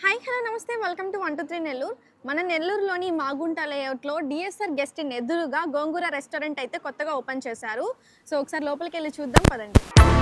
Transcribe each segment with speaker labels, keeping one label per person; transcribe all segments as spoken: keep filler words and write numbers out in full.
Speaker 1: Hi hello నమస్తే welcome to one two three Nellore. మన నెల్లూరులోని మాగుంట లేఅవుట్లో డిఎస్ఆర్ గెస్ట్ ఇన్ ఎదురుగా గోంగూర రెస్టారెంట్ అయితే కొత్తగా ఓపెన్ చేశారు. సో ఒకసారి లోపలికి వెళ్ళి చూద్దాం పదండి.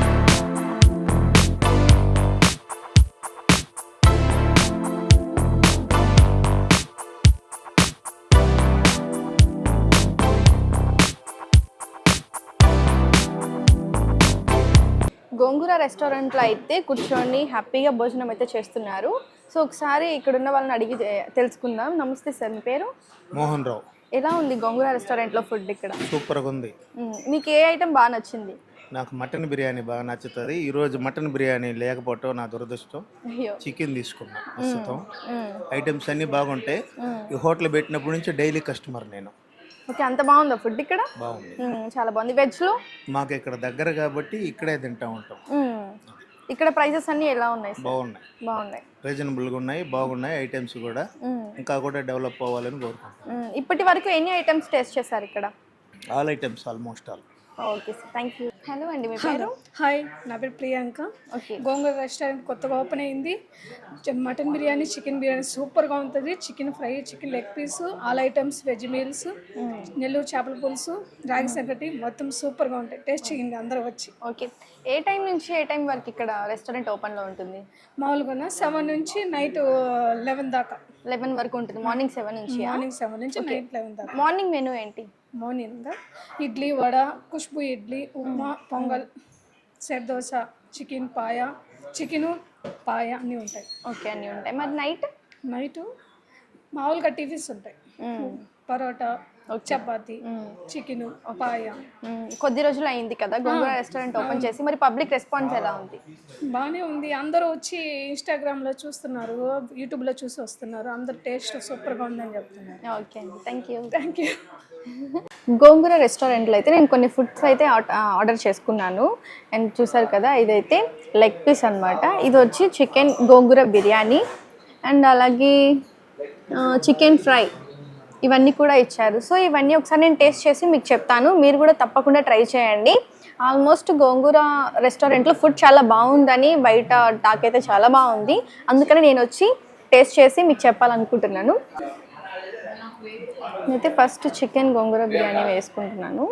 Speaker 1: గోంగూర రెస్టారెంట్లో అయితే కూర్చొని హ్యాపీగా భోజనం అయితే చేస్తున్నారు. సో ఒకసారి ఇక్కడ ఉన్న వాళ్ళని అడిగి తెలుసుకుందాం. నమస్తే సార్, మీ పేరు?
Speaker 2: మోహన్ రావు.
Speaker 1: ఎలా ఉంది గోంగూర రెస్టారెంట్లో ఫుడ్ ఇక్కడ?
Speaker 2: సూపర్గా ఉంది.
Speaker 1: మీకు ఏ ఐటెం బాగా నచ్చింది?
Speaker 2: నాకు మటన్ బిర్యానీ బాగా నచ్చుతుంది. ఈరోజు మటన్ బిర్యానీ లేకపోవటం నా దురదృష్టం. చికెన్ తీసుకున్నా. ప్రస్తుతం ఐటమ్స్ అన్నీ బాగుంటాయి. ఈ హోటల్ పెట్టినప్పటి నుంచి డైలీ కస్టమర్ నేను.
Speaker 1: ఓకే, అంత బాగుందా ఫుడ్ ఇక్కడ?
Speaker 2: బాగుంది,
Speaker 1: చాలా బాగుంది. వెజ్లో
Speaker 2: మాకు ఇక్కడ దగ్గర కాబట్టి ఇక్కడే తింటా ఉంటాం.
Speaker 1: ఇక్కడ ప్రైసెస్ అన్ని ఎలా ఉన్నాయి?
Speaker 2: బాగున్నాయి,
Speaker 1: బాగున్నాయి,
Speaker 2: రీజనబుల్గా ఉన్నాయి, బాగున్నాయి. ఐటమ్స్ కూడా ఇంకా కూడా డెవలప్ అవ్వాలని కోరుకుంటున్నాం.
Speaker 1: ఇప్పటి వరకు ఎన్ని ఐటమ్స్ టేస్ట్ చేశారు ఇక్కడ?
Speaker 2: All items, almost all.
Speaker 1: Okay sir, thank you. Hello అండి, మీ పేరు?
Speaker 3: హాయ్, నా పేరు ప్రియాంక.
Speaker 1: ఓకే,
Speaker 3: గోంగూర రెస్టారెంట్ కొత్తగా ఓపెన్ అయింది. మటన్ బిర్యానీ, చికెన్ బిర్యానీ సూపర్గా ఉంటుంది. Chicken fry, chicken leg piece, all items, veg meals, Nellore చేపల పులుసు, రాగి సంగటి మొత్తం సూపర్గా ఉంటాయి. టేస్ట్ చేయండి అందరూ వచ్చి.
Speaker 1: ఓకే, ఏ టైం నుంచి ఏ టైం వరకు ఇక్కడ రెస్టారెంట్ ఓపెన్లో ఉంటుంది?
Speaker 3: మామూలుగా సెవెన్ నుంచి నైట్ లెవెన్ దాకా.
Speaker 1: లెవెన్ వరకు ఉంటుంది. మార్నింగ్ సెవెన్ నుంచి
Speaker 3: మార్నింగ్ సెవెన్ నుంచి నైట్ లెవెన్ దాకా.
Speaker 1: మార్నింగ్ మెనూ ఏంటి?
Speaker 3: Morning idli, vada, Khushbu idli, upma, pongal, set dosa, chicken paya, chicken paya అన్నీ ఉంటాయి.
Speaker 1: ఓకే, అన్నీ ఉంటాయి. మరి నైట్?
Speaker 3: నైట్ మామూలుగా టిఫిన్స్ ఉంటాయి. పరోటా, చపాతి, చికెన్ పాయ.
Speaker 1: కొద్ది రోజులు అయింది కదా గోంగూర రెస్టారెంట్ ఓపెన్ చేసి, మరి పబ్లిక్ రెస్పాన్స్ ఎలా ఉంది?
Speaker 3: బాగానే ఉంది. అందరూ వచ్చి ఇన్స్టాగ్రామ్లో చూస్తున్నారు, యూట్యూబ్లో చూసి వస్తున్నారు. అందరు టేస్ట్ సూపర్గా ఉందని చెప్తున్నారు.
Speaker 1: ఓకే అండి, thank you.
Speaker 3: Thank you.
Speaker 1: Gongura రెస్టారెంట్లో అయితే నేను కొన్ని ఫుడ్స్ అయితే ఆర్డర్ చేసుకున్నాను. అండ్ చూసారు కదా, ఇదైతే లెగ్ పీస్ అనమాట. ఇది వచ్చి చికెన్ గోంగూర బిర్యానీ అండ్ అలాగే చికెన్ ఫ్రై ఇవన్నీ కూడా ఇచ్చారు. సో ఇవన్నీ ఒకసారి నేను టేస్ట్ చేసి మీకు చెప్తాను. మీరు కూడా తప్పకుండా ట్రై చేయండి. ఆల్మోస్ట్ గోంగూర రెస్టారెంట్లో ఫుడ్ చాలా బాగుందని బయట టాక్ అయితే చాలా బాగుంది. అందుకని నేను వచ్చి టేస్ట్ చేసి మీకు చెప్పాలనుకుంటున్నాను. నేనైతే ఫస్ట్ చికెన్ గోంగూర బిర్యానీ వేసుకుంటున్నాను.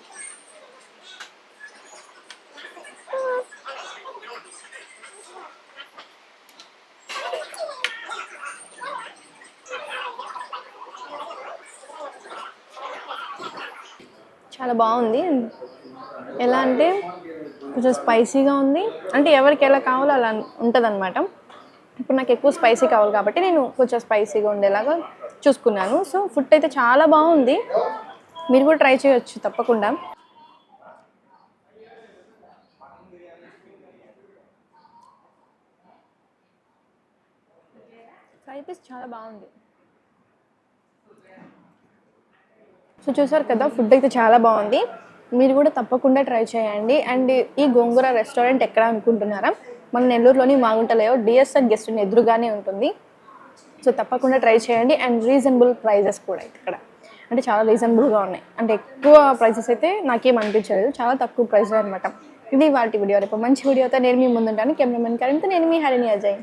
Speaker 1: చాలా బాగుంది. ఎలా అంటే కొంచెం స్పైసీగా ఉంది. అంటే ఎవరికి ఎలా కావాలో అలా ఉంటుంది అనమాట. ఇప్పుడు నాకు ఎక్కువ స్పైసీ కావాలి కాబట్టి నేను కొంచెం స్పైసీగా ఉండేలాగా చూసుకున్నాను. సో ఫుడ్ అయితే చాలా బాగుంది. మీరు కూడా ట్రై చేయొచ్చు తప్పకుండా. ఫ్రై పీస్ చాలా బాగుంది. సో చూసారు కదా, ఫుడ్ అయితే చాలా బాగుంది. మీరు కూడా తప్పకుండా ట్రై చేయండి. అండ్ ఈ గోంగూర రెస్టారెంట్ ఎక్కడ అనుకుంటున్నారా? మన నెల్లూరులోని Magunta layout DSR guest inn ఎదురుగానే ఉంటుంది. సో తప్పకుండా ట్రై చేయండి. అండ్ రీజనబుల్ ప్రైజెస్ కూడా ఇక్కడ అంటే చాలా రీజనబుల్గా ఉన్నాయి. అంటే ఎక్కువ ప్రైసెస్ అయితే నాకేం అనిపించలేదు, చాలా తక్కువ ప్రైస్ అనమాట. ఇది వాటి వీడియో. రేపు మంచి వీడియోతో నేను మీ ముందుంటాను. కెమెరామెన్ కరెంట్, నేను మీ హరిణి అజయ్.